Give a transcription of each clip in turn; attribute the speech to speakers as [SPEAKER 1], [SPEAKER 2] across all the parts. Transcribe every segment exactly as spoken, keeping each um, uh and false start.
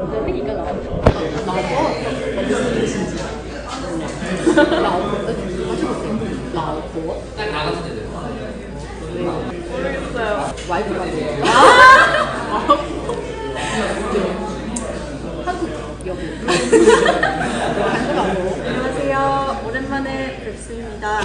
[SPEAKER 1] 我的另一个老婆，老婆，我不是一个心机。老婆，呃，아주 못해요.老婆.
[SPEAKER 2] 딱 나가서 되죠.
[SPEAKER 1] 모르겠어요. 와이프라고. 아! 한국 여보. 한국하고.
[SPEAKER 3] 안녕하세요. 오랜만에 뵙습니다.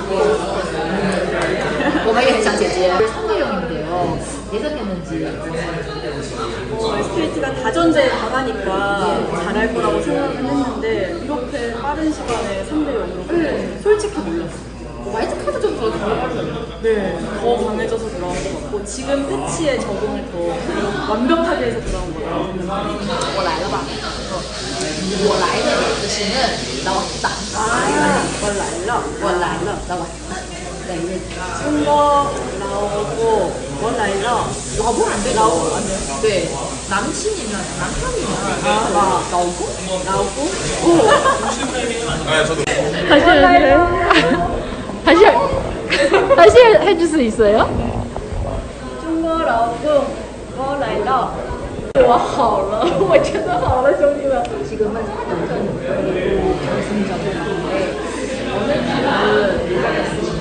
[SPEAKER 1] 我们也很想姐姐. 선배용인데요. 예상했는지.
[SPEAKER 3] 어, 에스케이티가 다전제 강하니까 잘할 거라고 생각은 했는데 이렇게 빠른 시간에 삼 대 영으로
[SPEAKER 1] 네.
[SPEAKER 3] 솔직히 몰랐어요.
[SPEAKER 1] 와이드 카드 좀 더 잘하려고.
[SPEAKER 3] 네, 더 강해져서 들어온 것 같고 지금 패치에 적응을 더 완벽하게 해서 들어온 것 같아요.
[SPEAKER 1] 我来了吧？我来的意思是老大。
[SPEAKER 3] 아, 원라일러.
[SPEAKER 1] 我来了，老板。对，
[SPEAKER 3] 중거 나오고 원라일러.
[SPEAKER 1] 老婆안 돼.
[SPEAKER 3] 나오고 안 돼요?
[SPEAKER 1] 네, 남친이면 남편이면
[SPEAKER 3] 아, 나
[SPEAKER 1] 나오고
[SPEAKER 3] 나오고 오.
[SPEAKER 2] 아, 저도.
[SPEAKER 4] 다시 해주세요. 다시 다시 해줄 수 있어요?
[SPEAKER 3] 중거 나오고 원라일러.
[SPEAKER 4] 我好了，我真的好了，兄弟们。
[SPEAKER 1] 지금은 사전전 그리고 결승전을 하는데 어느 팀은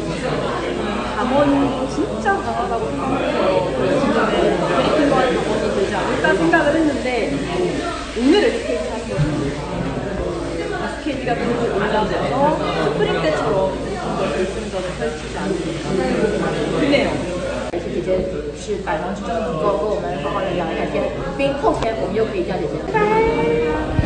[SPEAKER 3] 강원도 진짜 강하다고 생각해서 결승전에 그리핀과의 강원이 되지 않을까 생각을 했는데 오늘 에스케이티 하는 거죠. 에스케이티가 그래도 올라가서 스프링 때처럼 결승전을 펼치지 않을까 그네요.
[SPEAKER 1] 姐姐是百忙之中能够跟我们好好的聊一下天，并后天我们又可以叫姐姐。拜拜。